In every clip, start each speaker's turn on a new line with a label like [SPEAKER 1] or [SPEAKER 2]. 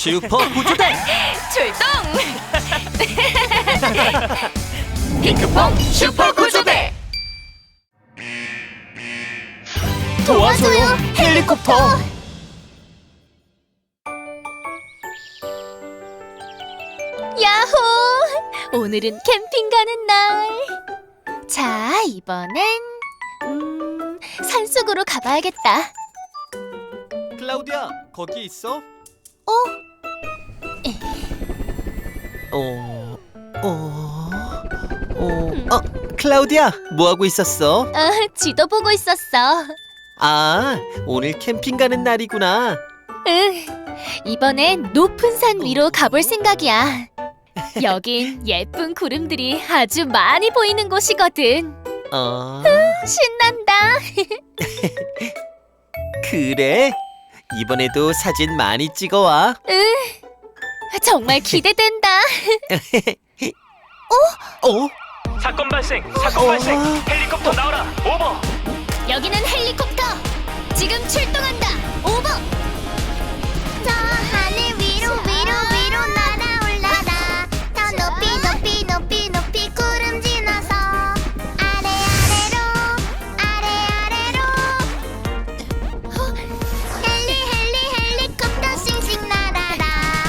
[SPEAKER 1] 슈퍼 구조대
[SPEAKER 2] 출동! 핑크퐁 슈퍼 구조대!
[SPEAKER 1] 도와줘요 헬리콥터.
[SPEAKER 2] 야호! 오늘은 캠핑 가는 날. 자, 이번엔 산속으로 가봐야겠다.
[SPEAKER 1] 클라우디아 거기 있어? 클라우디아 뭐 하고 있었어?
[SPEAKER 2] 지도 보고 있었어.
[SPEAKER 1] 아, 오늘 캠핑 가는 날이구나.
[SPEAKER 2] 응, 이번엔 높은 산 위로 가볼 생각이야. 여긴 예쁜 구름들이 아주 많이 보이는 곳이거든. 신난다.
[SPEAKER 1] 그래? 이번에도 사진 많이 찍어와.
[SPEAKER 2] 정말 기대된다.
[SPEAKER 3] 사건 발생! 사건 발생! 헬리콥터 나와라! 오버!
[SPEAKER 2] 여기는 헬리콥터. 지금 출동한다. 오버.
[SPEAKER 4] 저 하늘 위로 날아올라라. 더 높이 구름 지나서 아래로 헬리콥터 싱싱 날아라.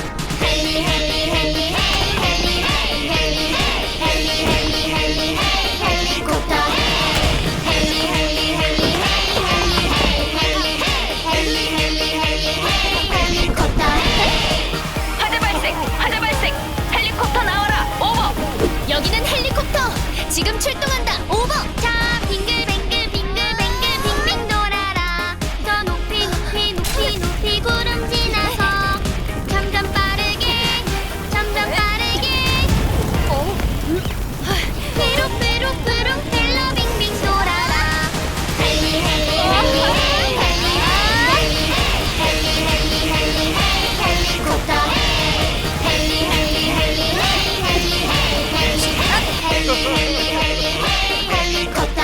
[SPEAKER 4] 헬리콥터
[SPEAKER 2] 화재 발생. 헬리콥터 나와라. 오버. 여기는 헬리콥터. 지금 출동한다. 오버.
[SPEAKER 4] 자 빙글빙글 돌아라. 더 높이 구름 지나서 점점 빠르게 삐룩 헬로 빙빙 돌아라. 헬리콥터 헬리콥터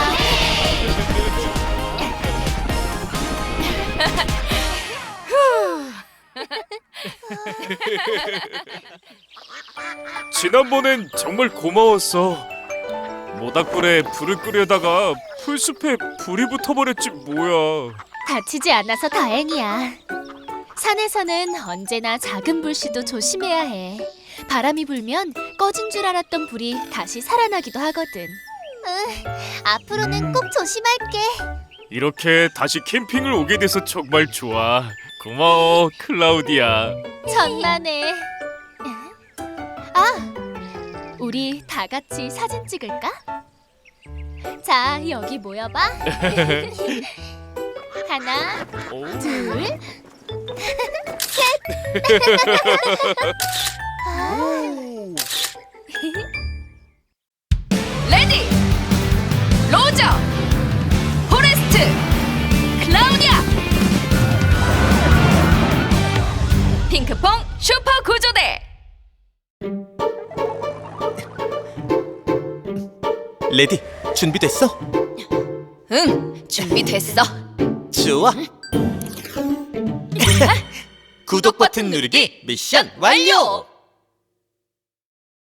[SPEAKER 3] 지난번엔 정말 고마웠어. 모닥불에 불을 끄려다가 풀숲에 불이 붙어버렸지 뭐야.
[SPEAKER 2] 다치지 않아서 다행이야. 산에서는 언제나 작은 불씨도 조심해야 해. 바람이 불면 꺼진 줄 알았던 불이 다시 살아나기도 하거든.
[SPEAKER 4] 앞으로는 꼭 조심할게.
[SPEAKER 3] 이렇게 다시 캠핑을 오게 돼서 정말 좋아. 고마워, 클라우디아.
[SPEAKER 2] 천만에. 우리 다 같이 사진 찍을까? 자, 여기 모여봐. 하나, 둘, 레디, 로저, 포레스트, 클라우디아. 핑크퐁 슈퍼 구조대.
[SPEAKER 1] 레디 준비됐어?
[SPEAKER 2] 응, 준비됐어.
[SPEAKER 1] 좋아. 구독 버튼 누르기 미션 완료.